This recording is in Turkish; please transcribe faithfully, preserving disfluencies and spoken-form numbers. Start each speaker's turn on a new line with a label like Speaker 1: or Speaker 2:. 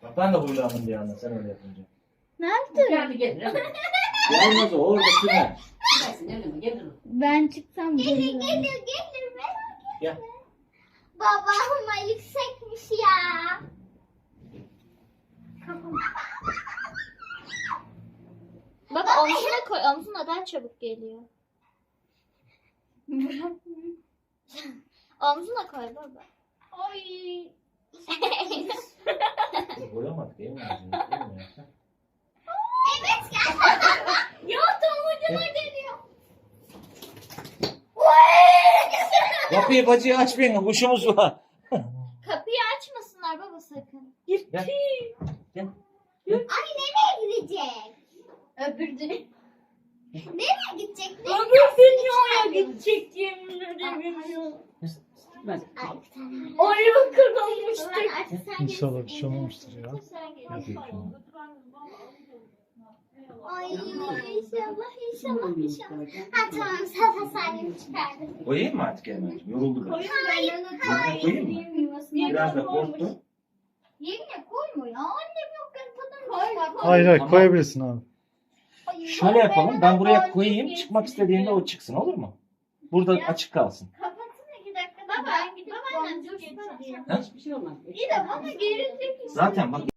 Speaker 1: Bak ben de huylandım bir anda sen öyle yapınca.
Speaker 2: Ne yaptın?
Speaker 3: Geldi gelir.
Speaker 1: Gelmez o orada sürer.
Speaker 3: Gelsin öyle mi? Gelir.
Speaker 2: Ben çıksam
Speaker 4: Gelir
Speaker 2: gelirim.
Speaker 4: gelir gelir merak etme.
Speaker 1: Gel.
Speaker 4: Babam yüksekmiş ya.
Speaker 2: Bak omzuna koy. Omzuna daha çabuk geliyor. Omzuna koy baba.
Speaker 4: Ay.
Speaker 1: Boyamadık değil mi? Değil mi?
Speaker 4: Evet gel. Ya tam ucuna geliyor.
Speaker 1: Kapıyı bacıyı açmayın kuşumuz var.
Speaker 2: Kapıyı açmasınlar baba sakın.
Speaker 1: Gel. Gel.
Speaker 4: Ay nereye gidecek?
Speaker 2: Öbürdü.
Speaker 4: Nereye gidecek?
Speaker 3: Öbür dünyaya gidecek yemin ederim. Ben.
Speaker 4: Ay bir tane.
Speaker 3: Ayı kırılmıştı.
Speaker 4: Ulan artık sen
Speaker 5: İnşallah
Speaker 4: gelirsin.
Speaker 5: bir şey olmamıştır ya.
Speaker 4: Sen gel.
Speaker 5: Hadi bakalım.
Speaker 4: Ay inşallah inşallah inşallah. Ha tamam Safa Salim çıkardı.
Speaker 1: Koyayım mı artık hemen? Yoruldu biraz.
Speaker 4: Hayır
Speaker 1: Yerine koyayım mı? Biraz da korktu.
Speaker 4: Yerine koyma ya. Annem yokken tadını çıkar.
Speaker 5: Hayır hayır
Speaker 1: Tamam.
Speaker 5: koyabilirsin abi.
Speaker 4: Ay,
Speaker 1: Şöyle yapalım. Ben buraya
Speaker 4: ben
Speaker 1: koyayım.
Speaker 4: de
Speaker 1: Çıkmak istediğinde o çıksın olur mu? Burada açık kalsın.
Speaker 4: Kapatın iki dakika. Baba,
Speaker 2: Ben gidip
Speaker 4: babaannem
Speaker 2: boncuğu
Speaker 4: dur
Speaker 2: getireyim.
Speaker 4: getireyim.
Speaker 1: Ha?
Speaker 3: Hiçbir şey olmaz.
Speaker 4: İyi de bana gelecek.
Speaker 1: Zaten bak